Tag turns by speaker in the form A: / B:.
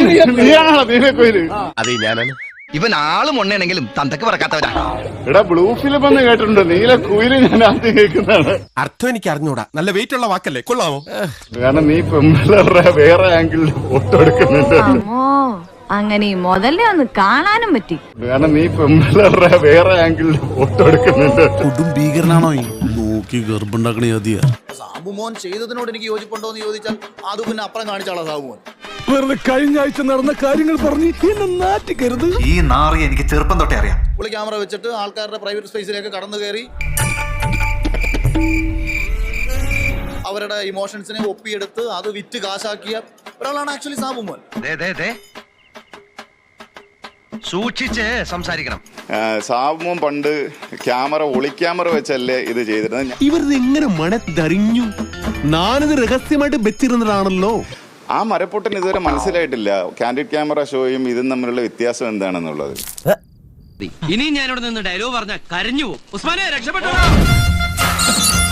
A: അതെ ഞാനാണ്.
B: ഇവൻ ആളും ഒണ്ണയാണെങ്കിലും തന്തക്ക് പറക്കാത്തവരാ.
C: എടാ ബ്ലൂ ഫിലിം എന്ന് കേട്ടിട്ടുണ്ട്, നീല കുയില് ഞാൻ ആദ്യം കേൾക്കുന്നതാണ്.
A: അർത്ഥം എനിക്ക് അറിഞ്ഞൂടാ. നല്ല വെയിറ്റ് ഉള്ള വാക്കല്ലേ, കൊള്ളാമോ?
C: കാരണം നീ പെമ്പിള്ളേരുടെ വേറെ ആംഗിളിൽ ഫോട്ടോ എടുക്കുന്നുണ്ട്.
D: അങ്ങനെ ഈ മുതലേ ഒന്ന് കാണാനും പറ്റി.
C: കാരണം നീ പെമ്പിള്ളേരുടെ വേറെ ആംഗിളിൽ ഫോട്ടോ എടുക്കുന്നുണ്ട്.
E: കൊടും ഭീകരനാണോ? നോക്കി ഗർഭുണ്ടാക്കണ യതിയാ.
F: സാബുമോൻ ചെയ്തതിനോട് എനിക്ക് യോജിപ്പുണ്ടോ എന്ന് ചോദിച്ചാൽ അത് പിന്നെ അപ്പുറം കാണിച്ചാളാ സാബുമോൻ.
E: വെറുതെ കഴിഞ്ഞ ആഴ്ച നടന്ന കാര്യങ്ങൾ പറഞ്ഞ് എന്നെ നാറ്റിക്കരുത്.
G: ഈ നാറി എനിക്ക് ചെറുപ്പം തൊട്ടേ അറിയാം.
F: പുള്ളി ക്യാമറ വെച്ചിട്ട് ആൾക്കാരുടെ പ്രൈവറ്റ് സ്പേസിലേക്ക് കടന്നു കയറി അവരുടെ ഇമോഷൻസിനെ ഒപ്പിയെടുത്ത് അത് വിറ്റ് കാശാക്കിയ ഒരാളാണ് ആക്ച്വലി സാബുമോൻ.
B: സൂക്ഷിച്ച് സംസാരിക്കണം.
C: സാബുമോൻ പണ്ട് ഒളിക്യാമറ വെച്ചല്ലേ ഇത് ചെയ്തിരുന്നത്.
A: ഇവരിത് എങ്ങനെ മണത്തറിഞ്ഞു? ഞാനിത് രഹസ്യമായിട്ട് വെച്ചിരുന്നതാണല്ലോ.
C: ആ മരപ്പൊട്ടൻ ഇതുവരെ മനസ്സിലായിട്ടില്ല കാൻഡിഡ് ക്യാമറ ഷോയും ഇതും തമ്മിലുള്ള വ്യത്യാസം എന്താണെന്നുള്ളത്.
B: ഇനി ഞാനിവിടെ നിന്ന് ഡയലോഗ് പറഞ്ഞ കരഞ്ഞു പോകും. ഉസ്മാനെ രക്ഷപ്പെട്ടോ.